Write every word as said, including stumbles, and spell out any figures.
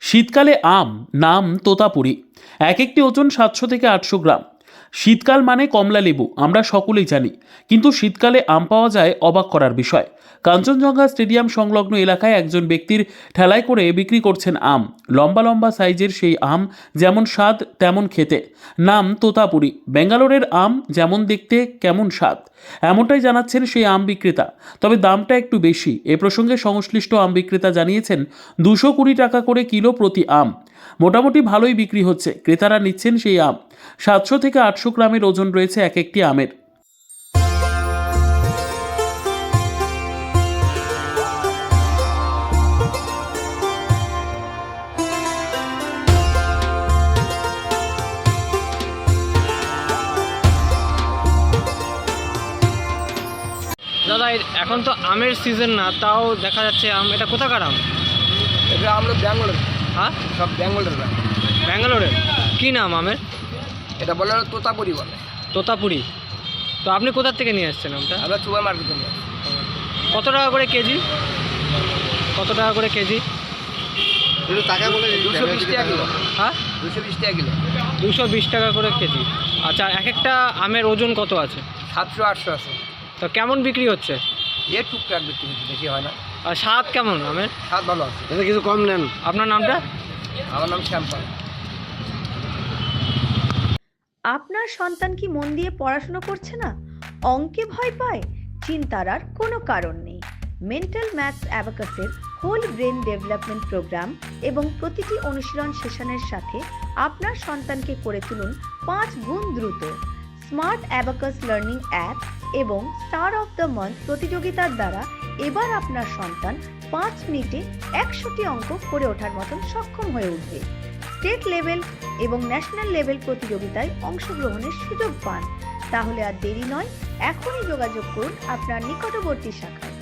শীতকালে আম, নাম তোতাপুরি। এক একটি ওজন সাতশো থেকে আটশো গ্রাম। শীতকাল মানে কমলা লেবু, আমরা সকলেই জানি। কিন্তু শীতকালে আম পাওয়া যায় অবাক করার বিষয়। কাঞ্চনজঙ্ঘা স্টেডিয়াম সংলগ্ন এলাকায় একজন ব্যক্তির ঠেলায় করে বিক্রি করছেন আম। লম্বা লম্বা সাইজের সেই আম, যেমন স্বাদ তেমন খেতে। নাম তোতাপুরি। ব্যাঙ্গালোরের আম যেমন দেখতে কেমন স্বাদ, এমনটাই জানাচ্ছেন সেই আম বিক্রেতা। তবে দামটা একটু বেশি। এ প্রসঙ্গে সংশ্লিষ্ট আম বিক্রেতা জানিয়েছেন, দুশো কুড়ি টাকা করে কিলো প্রতি আম। মোটামুটি ভালোই বিক্রি হচ্ছে। ক্রেতারা নিচ্ছেন সেই আম। সাতশো থেকে আটশো গ্রামের ওজন রয়েছে এক একটি আমের। দাদা, এ- এখন তো আমের সিজন না, তাও দেখা যাচ্ছে আম। এটা কোথাকার আম? এটা আমরা ব্যাঙ্গালোর, হ্যাঁ, সব ব্যাঙ্গালোর ব্যাঙ্ক। ব্যাঙ্গালোরের। কী নাম আমের? এটা বলে হলো তোতাপুরি বলে। তোতাপুরি। তো আপনি কোথা থেকে নিয়ে এসেছেন আমটা? আমরা সুপার মার্কেটে নিয়ে আসি। কত টাকা করে কেজি? কত টাকা করে কেজি? একটু টাকা বলে দুশো বিশ টাকা কিলো। হ্যাঁ, দুশো বিশ টাকা কিলো। দুশো বিশ টাকা করে কেজি। আচ্ছা, এক একটা আমের ওজন কত আছে? সাতশো আটশো আছে। তো কেমন বিক্রি হচ্ছে? এর টুকটাক বিক্রি হচ্ছে, বেশি হয় না। আর স্বাদ কেমন আমের? স্বাদ ভালো আছে। এটা কিছু কম নেন। আপনার নামটা? আমার নাম শ্যামপাল। আপনার সন্তান কি মন দিয়ে পড়াশোনা করছে না? অঙ্কে ভয় পায়? চিন্তার আর কোনো কারণ নেই। মেন্টাল ম্যাথস অ্যাবাকাসের হোল ব্রেন ডেভেলপমেন্ট প্রোগ্রাম এবং প্রতিটি অনুশীলন সেশনের সাথে আপনার সন্তানকে করে তুলুন পাঁচ গুণ দ্রুত। স্মার্ট অ্যাবাকাস লার্নিং অ্যাপ এবং স্টার অফ দ্য মান্থ প্রতিযোগিতার দ্বারা এবার আপনার সন্তান পাঁচ মিনিটে একশোটি অঙ্ক করে ওঠার মতন সক্ষম হয়ে উঠবে। স্টেট লেভেল এবং ন্যাশনাল লেভেল প্রতিযোগিতায় অংশগ্রহণের সুযোগ পান। তাহলে আর দেরি নয়, এখনই যোগাযোগ করুন আপনার নিকটবর্তী শাখায়।